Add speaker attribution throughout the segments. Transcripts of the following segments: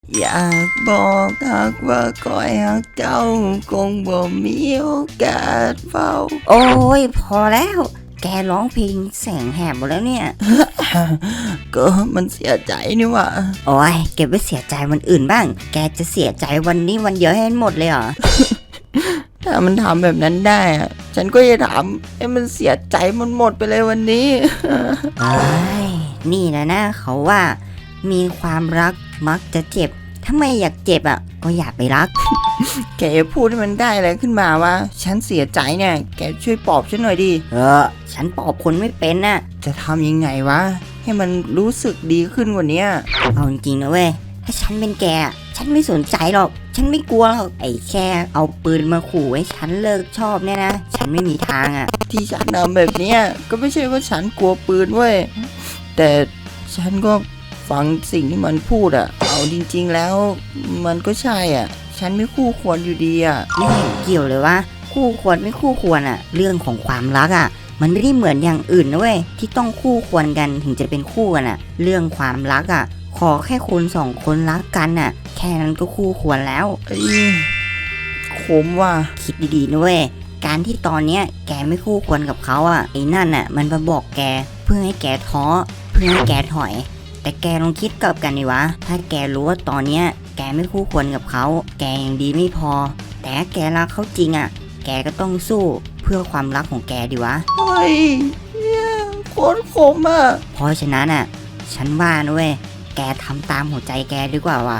Speaker 1: อยากบอกหักว่าคอยหักเจ้าคงบ่มีโอกาสเฝ้า
Speaker 2: โอ้ยพอแล้วแกร้องเพลงแสงแหบหมดแล้วเนี่ย
Speaker 1: ก็มันเสียใจนี่หว่า
Speaker 2: โอ้ยเก็บไว้เสียใจวันอื่นบ้างแกจะเสียใจวันนี้วันเดียวให้หมดเลยเหรอ
Speaker 1: ถ้ามันทำแบบนั้นได้อะฉันก็จะทำให้มันเสียใจมันหมดไปเลยวันนี้
Speaker 2: เอ้ยนี่แหละนะเขาว่ามีความรักมักจะเจ็บถ้าไม่อยากเจ็บอ่ะก็อย่าไปรัก
Speaker 1: แกพูดให้มันได้อะไรขึ้นมาว่าฉันเสียใจเนี่ยแกช่วยปลอบฉันหน่อยดิ
Speaker 2: ฉันปอบคนไม่เป็นน่ะ
Speaker 1: จะทำยังไงวะให้มันรู้สึกดีขึ้นกว่านี้
Speaker 2: เอาจริงๆนะเว้ยถ้าฉันเป็นแกอะฉันไม่สนใจหรอกฉันไม่กลัวหรอกไอ้แค่เอาปืนมาขู่ให้ฉันเลิกชอบเนี่ยนะฉันไม่มีทางอ่ะ
Speaker 1: ที่ฉันทำแบบเนี้ยก็ไม่ใช่ว่าฉันกลัวปืนเว้ยแต่ฉันก็ฟังสิ่งที่มันพูดอะเอาจริงๆแล้วมันก็ใช่อ่ะฉันไม่คู่ควรอยู่ดีอ่ะ
Speaker 2: ไม่เห็นเกี่ยวเลยว่าคู่ควรไม่คู่ควรอ่ะ เรื่องของความรักอ่ะ มันไม่ได้เหมือนอย่างอื่นนะเว้ยที่ต้องคู่ควรกันถึงจะเป็นคู่กันอ่ะ เรื่องความรักอ่ะ ขอแค่คนสองคนรักกันอ่ะ แค่นั้นก็คู่ควรแล้ว
Speaker 1: ไอ้ขมว่ะ
Speaker 2: คิดดีๆนะเว้ยการที่ตอนเนี้ยแกไม่คู่ควรกับเขาอ่ะไอ้นั่นอ่ะ มันมาบอกแกเพื่อให้แกท้อเพื่อให้แกถอย แต่แกลองคิดกลับกันดิวะถ้าแกรู้ว่าตอนเนี้ยแกไม่คู่ควรกับเขาแกยังดีไม่พอ แต่ถ้าแกรักเขาจริงอ่ะ แกก็ต้องสู้เพื่อความรักของแกดิวะ
Speaker 1: เฮ้ยเนี่ยโคตรขมอ่ะ
Speaker 2: เพราะฉะนั้นอ่ะ ฉันว่านะเว้ยแกทำตามหัวใจแกดีกว่าว่ะ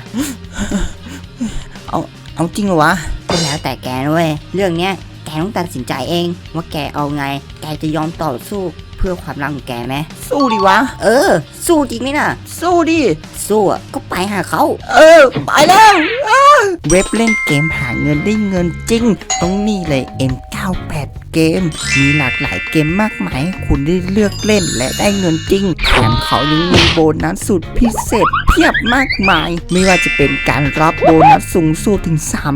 Speaker 1: เอาจริงเหรอวะ
Speaker 2: ก็แล้วแต่แกนะเว้ยเรื่องเนี้ยแกต้องตัดสินใจเองว่าแกเอาไง แกจะยอมต่อสู้เพื่อความรักของแกไหม
Speaker 1: สู้ดิวะ
Speaker 2: สู้จริงไหมน่ะ
Speaker 1: สู้ดิ
Speaker 2: สู้อ่ะก็ไปหาเขา
Speaker 1: ไปแล้ว เว็บเล่นเกมหาเงินได้เงินจริงต้องนี่เลย M98 เกม มีหลากหลายเกมมากมายให้คุณได้เลือกเล่นและได้เงินจริงแถมเขายังมีโบนัสสุดพิเศษเพียบมากมาย ไม่ว่าจะเป็นการรับโบนัสสูงสุดถึง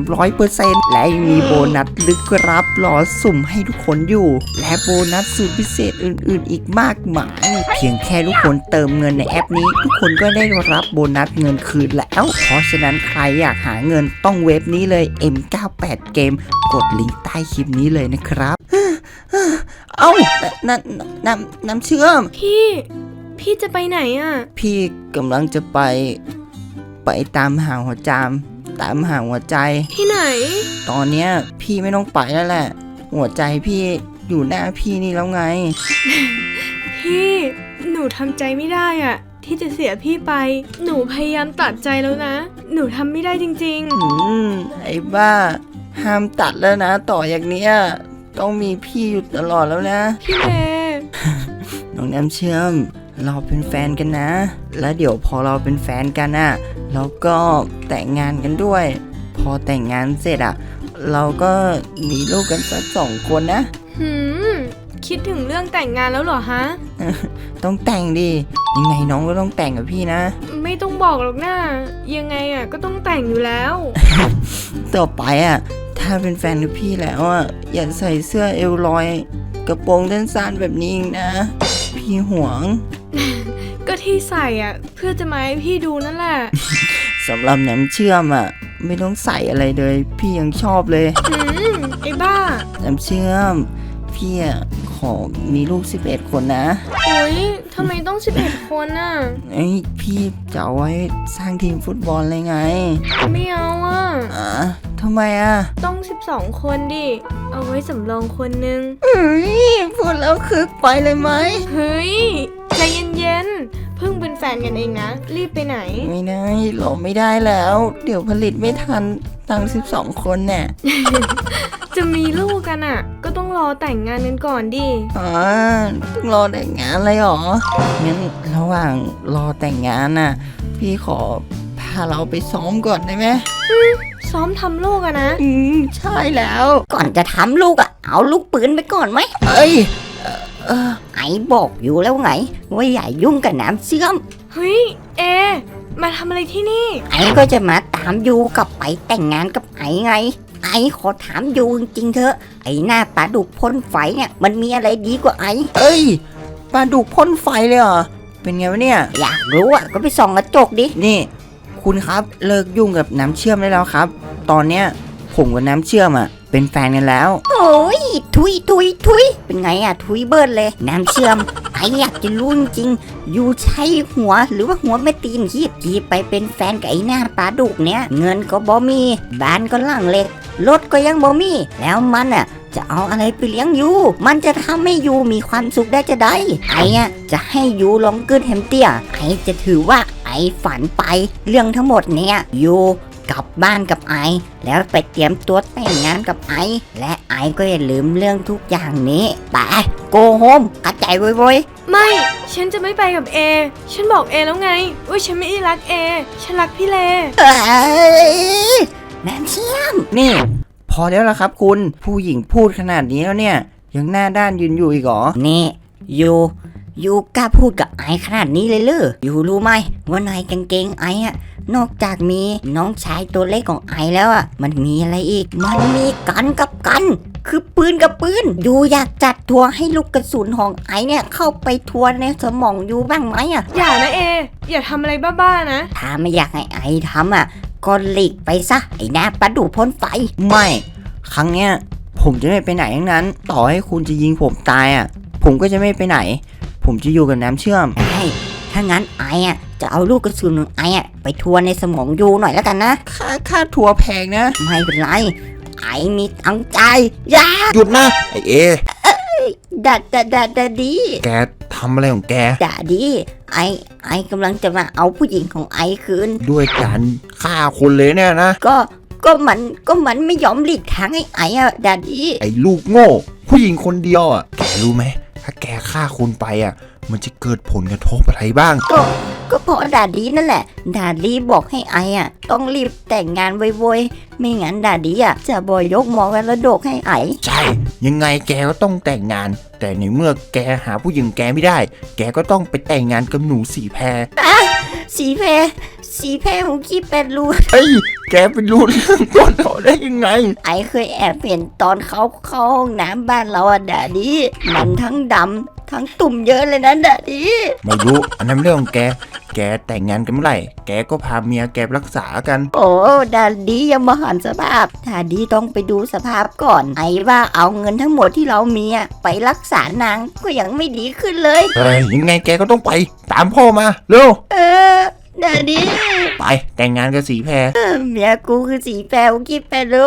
Speaker 1: 300%และยังมีโบนัสลึกรับรอสุ่มให้ทุกคนอยู่ และโบนัสสุดพิเศษอื่นๆ อีกมากมาย เพียงแค่ทุกคนเติมเงินในแอปนี้ ทุกคนก็ได้รับโบนัสเงินคืนแล้ว เพราะฉะนั้นใครอยากหาเงินต้องเว็บนี้เลย M98 เกม กดลิงก์ใต้คลิปนี้เลยนะครับ เอ้าน้ำเชื่อม
Speaker 3: พี่จะไปไหนอ่ะ
Speaker 1: พี่กำลังจะไปตามหาหัวจามตามหาหัวใจ
Speaker 3: ที่ไหน
Speaker 1: ตอนเนี้ยพี่ไม่ต้องไปแล้วแหละ หัวใจพี่อยู่หน้าพี่นี่แล้วไง
Speaker 3: พี่หนูทำใจไม่ได้อ่ะ ที่จะเสียพี่ไป หนูพยายามตัดใจแล้วนะ หนูทำไม่ได้จริง
Speaker 1: ไอ้บ้า ห้ามตัดแล้วนะ ต่ออย่างเนี้ยต้องมีพี่อยู่ตลอดแล้วนะ
Speaker 3: ๆ พี่เมย์
Speaker 1: น้องน้ำเชื่อม เราเป็นแฟนกันนะ แล้วเดี๋ยวพอเราเป็นแฟนกันอ่ะเราก็แต่งงานกันด้วย พอแต่งงานเสร็จอ่ะ เราก็มีลูกกันสัก2 คนนะ
Speaker 3: คิดถึงเรื่องแต่งงานแล้วเหรอฮะ
Speaker 1: ต้องแต่งดิยังไงน้องก็ต้องแต่งกับพี่นะ
Speaker 3: ไม่ต้องบอกหรอกนะยังไงอ่ะก็ต้องแต่งอยู่แล้ว
Speaker 1: ต่อไปอ่ะถ้าเป็นแฟนกับพี่แล้วอ่ะอย่าใส่เสื้อเอวลอย กระโปรงสั้นๆแบบนี้อีกนะ พี่หวง
Speaker 3: ก็ที่ใส่อ่ะ เพื่อจะมาให้พี่ดูนั่นแหละ
Speaker 1: สำหรับน้ำเชื่อมอ่ะไม่ต้องใส่อะไรเลย พี่ยังชอบเลย
Speaker 3: ไอ้บ้า
Speaker 1: น้ำเชื่อม พี่อ่ะขอมีลูก11 คนนะ
Speaker 3: โอ๊ยทำไมต้อง11 คนน่ะ
Speaker 1: ไอ้พี่จะเอาไว้สร้างทีมฟุตบอลเลยไง
Speaker 3: ไม่เอาอ่ะ
Speaker 1: ทำไมอ่ะ
Speaker 3: ต้อง12 คนดิ เอาไว้สำรองคนนึง
Speaker 1: พูดแล้วคึกไปเลยไหม
Speaker 3: เฮ้ย ใจเย็นๆ เพิ่งเป็นแฟนกันเองนะ รีบไปไหน
Speaker 1: ไม่ได้หลอไม่ได้แล้ว เดี๋ยวผลิตไม่ทันตั้ง12 คนเนี่ย
Speaker 3: จะมีลูกกันอ่ะ ก็ต้องรอแต่งงานกันก่อนดิ
Speaker 1: ต้องรอแต่งงานเลยเหรอ งั้นระหว่างรอแต่งงานน่ะ พี่ขอพาเราไปซ้อมก่อนได้ไหม
Speaker 3: ซ้อมทำลูกอะนะ
Speaker 1: ใช่แล้ว
Speaker 2: ก่อนจะทำลูกอ่ะเอาลูกปืนไปก่อนไหม
Speaker 1: เอ้ย
Speaker 2: ไอ้บอกอยู่แล้วไงว่าอย่ายุ่งกับน้ำเชื่อม
Speaker 3: เฮ้ย เอ มาทำอะไรที่นี่
Speaker 2: ไอ้ก็จะมาตามยูกับไปแต่งงานกับไอ้ไง ไอ้ขอถามยูจริงๆเถอะไอ้หน้าปลาดุกพ่นไฟเนี่ยมันมีอะไรดีกว่าไอ้
Speaker 1: เอ้ยปลาดุกพ่นไฟเลยเหรอ เป็นไงวะเนี่ย
Speaker 2: อยากรู้อ่ะก็ไปส่องกระจกดิ
Speaker 1: นี่ คคุณครับเลิกยุ่งกับน้ำเชื่อมได้แล้วครับ ตอนเนี้ยผมกับน้ำเชื่อมเป็นแฟนกันแล้ว
Speaker 2: โอ้ยทุยเป็นไงอะทุยเบิร์ดเลยน้ำเชื่อมไออยากจะรู้จริงๆอยู่ใช้หัวหรือว่าหัวแม่ตีนคีบไปเป็นแฟนกับไอ้หน้าปลาดุกเนี้ยเงินก็บ่มีบ้านก็หลังเล็กรถก็ยังบ่มีแล้วมันอะจะเอาอะไรไปเลี้ยงยูมันจะทำให้ยูมีความสุขได้จะได้ไอ้อะจะให้ยูลองกึดแฮมเตี้ยไอ้จะถือว่าไอ้ฝันไปเรื่องทั้งหมดเนี้ยยูกลับบ้านกับไอแล้วไปเตรียมตัวแต่งงานกับไอและไอก็อย่าลืมเรื่องทุกอย่างนี้ไปโกโฮมกระจายไว้
Speaker 3: ไม่ ฉันจะไม่ไปกับเอ ฉันบอกเอแล้วไงว่าฉันไม่ได้รักเอ ฉันรักพี่เล
Speaker 2: เอ้ยน้ำเชื่อม
Speaker 1: นี่ พอแล้วละครับคุณผู้หญิงพูดขนาดนี้แล้วเนี่ยยังหน้าด้านยืนอยู่อีกเหรอ
Speaker 2: นี่ยูกล้าพูดกับไอขนาดนี้เลยเหรอยูรู้ไหมว่านายกางเกงไออะนอกจากมีน้องชายตัวเล็กของไอแล้วอะมันมีอะไรอีกมันมีกันกับกัน คือปืนกับปืนยูอยากจัดทัวร์ให้ลูกกระสุนของไอเนี่ยเข้าไปทัวร์ในสมองยูบ้างไหมอะ
Speaker 3: อย่านะเอ อย่าทำอะไรบ้าๆนะ
Speaker 2: ถ้าไม่อยากให้ไอทำอะก็หลีกไปซะไอหน้าประดูพ่นไฟ
Speaker 1: ไม่ครั้งเนี้ยผมจะไม่ไปไหนทั้งนั้น ต่อให้คุณจะยิงผมตายผมก็จะไม่ไปไหน ผมจะอยู่กับน้ำเชื่อม
Speaker 2: ถ้างั้นไออะจะเอาลูกกระสุนของไออะไปทัวร์ในสมองยูหน่อยแล้วกันนะ
Speaker 1: ค่าทัวร์แพงนะ
Speaker 2: ไม่เป็นไร ไอมีตังใจยา
Speaker 4: หยุดนะไอเอ
Speaker 2: ดาดี
Speaker 4: แกทำอะไรของแก
Speaker 2: ดาดีไอกำลังจะมาเอาผู้หญิงของไอคืน
Speaker 4: ด้วยการฆ่าคนเลยเนี่ยนะ
Speaker 2: ก็มันไม่ยอมหลีกทางให้ไออะดาดี
Speaker 4: ไอลูกโง่ ผู้หญิงคนเดียวแกรู้ไหมถ้าแกฆ่าคนไปมันจะเกิดผลกระทบอะไรบ้าง
Speaker 2: ก็เพราะดาดีนั่นแหละ ดาดีบอกให้ไออะต้องรีบแต่งงานไวๆไม่งั้นดาดีอะจะบอยยกมรดกให้ไอ
Speaker 4: ใช่ ยังไงแกก็ต้องแต่งงาน แต่ในเมื่อแกหาผู้หญิงแกไม่ได้ แกก็ต้องไปแต่งงานกับหนูสีแพร
Speaker 2: สีแพรของขี้เป็ดรู
Speaker 4: เฮ้ย แกไปรู้เรื่องก่อนเขาได้ยังไง
Speaker 2: ไอเคยแอบเห็นตอนเขาเข้าห้องน้ำบ้านเราอะดาดีมันทั้งดำทั้งตุ่มเยอะเลยนะดาดี
Speaker 4: ไม่รู้ อันนั้นเรื่องของแก แกแต่งงานกันเมื่อไหร่ แกก็พาเมียแกไปรักษากัน
Speaker 2: โอ้ดาดียังมาหันสภาพดาดีต้องไปดูสภาพก่อน ไอว่าเอาเงินทั้งหมดที่เรามีอะไปรักษานางก็ยังไม่ดีขึ้นเลย
Speaker 4: เฮ้ย ยังไงแกก็ต้องไป ตามพ่อมา เร็ว
Speaker 2: ดาดี
Speaker 4: ไปแต่งงานกับสีแพร
Speaker 2: เมียกูคือสีแปวคิดไปรู้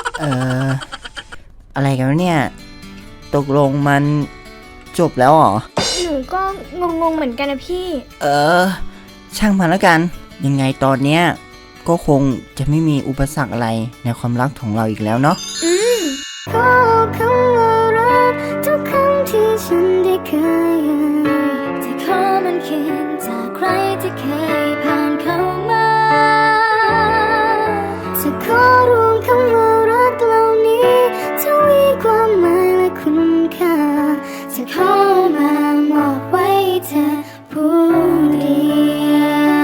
Speaker 1: อะไรกันวะเนี่ย ตกลงมันจบแล้วเหรอ
Speaker 3: หนูก็งงๆเหมือนกันนะพี่
Speaker 1: ช่างมันแล้วกัน ยังไงตอนเนี้ยก็คงจะไม่มีอุปสรรคอะไรในความรักของเราอีกแล้วเนาะ
Speaker 5: ก็คำว่ารักทุกครั้งที่ฉันได้เคยจะขอมันเขียนจากใครที่เคยผ่านเข้ามาจะขอรวมคำว่ารักเหล่านี้ทวีความหมายและคุณค่าจะขอมามอบไว้เธอผู้เดียว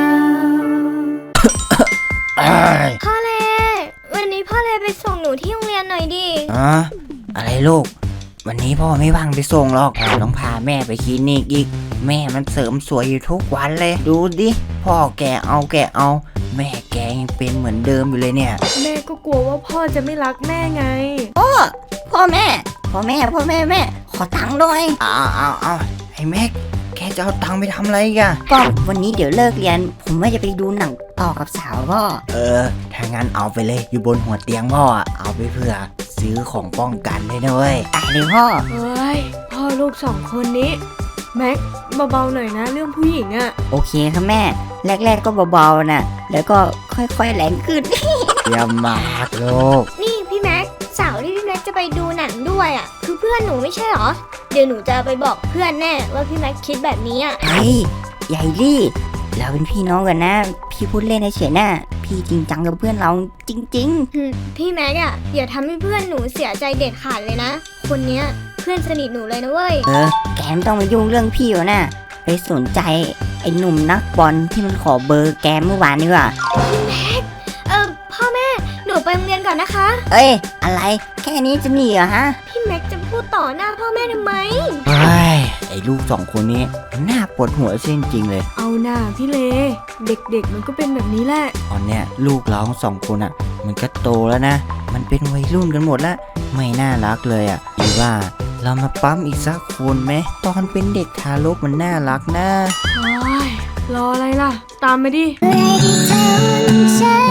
Speaker 3: พ่อเล วันนี้พ่อเลไปส่งหนูที่โรงเรียนหน่อยดิ
Speaker 1: อะไรลูก วันนี้พ่อไม่ว่างไปส่งหรอกต้องพาแม่ไปคลินิกอีก แม่มันเสริมสวยอยู่ทุกวันเลย ดูดิ พ่อแกเอา แม่แกยังเป็นเหมือนเดิมอยู่เลยเนี่ย
Speaker 3: แม่ก็กลัวว่าพ่อจะไม่รักแม่ไง
Speaker 2: พ่อแม่ ขอตังค์ด้วย
Speaker 1: เอาไอ้แม็ก แกจะเอาตังค์ไปทำอะไรอีกัน
Speaker 2: ก็วันนี้เดี๋ยวเลิกเรียน ผมว่าจะไปดูหนังต่อกับสาวพ่อ
Speaker 1: ถ้างั้นเอาไปเลย อยู่บนหัวเตียงพ่อเอาไปเผื่อซื้อของป้องกันเลยนะเว้ย
Speaker 2: ตายเลยพ่อ
Speaker 3: เฮ้ย พ่อลูกสองคนนี้ แม็กเบาๆหน่อยนะเรื่องผู้หญิงอะ
Speaker 2: โอเคครับแม่ แรกๆก็เบาๆนะแล้วก็ค่อยๆแรงขึ้น
Speaker 1: เยี่ยมมากลูก
Speaker 5: นี่พี่แม็กเสาร์ที่พี่แม็กจะไปดูหนังด้วยอ่ะคือเพื่อนหนูไม่ใช่เหรอ เดี๋ยวหนูจะไปบอกเพื่อนแน่ว่าพี่แม็กคิดแบบนี้อ่ะ
Speaker 2: เฮ้ยใหญ่ลี่ เราเป็นพี่น้องกันนะ พี่พูดเล่นเฉยๆนะพี่จริงจังกับเพื่อนเราจริง
Speaker 5: พี่แม็กอ่ะอย่าทำให้เพื่อนหนูเสียใจเด็ดขาดเลยนะ คนเนี้ยเพื่อนสนิทหนูเลยนะเว้ย
Speaker 2: ๆ แกไม่ต้องมายุ่งเรื่องพี่วะนะไปสนใจไอ้หนุ่มนักบอลที่มันขอเบอร์แกเมื่อวานนี่ว่ะ
Speaker 5: พ่อแม่หนูไปโรงเรียนก่อนนะคะ
Speaker 2: เอ้ย อะไร แค่นี้จะหนีเหรอฮะ
Speaker 5: พี่แม็กจะพูดต่อหน้าพ่อแม่ทำไม
Speaker 1: เฮ้ย ไออ้ลูกสองคนนี้มันน่าปวดหัวจริงๆเลย
Speaker 3: เอาหน่าพี่เล เด็กๆมันก็เป็นแบบนี้แหละ
Speaker 1: ตอนเนี้ยลูกเราทั้งสองคนอ่ะ มันก็โตแล้วนะ มันเป็นวัยรุ่นกันหมดแล้วไม่น่ารักเลยอ่ะหรือว่าเรามาปั๊มอีกสักคนไหมตอนเป็นเด็กทารกมันน่ารักนะ
Speaker 3: โอ้ยรออะไรล่ะ ตามมาดิ
Speaker 5: เมื่อที่เธอวันฉัน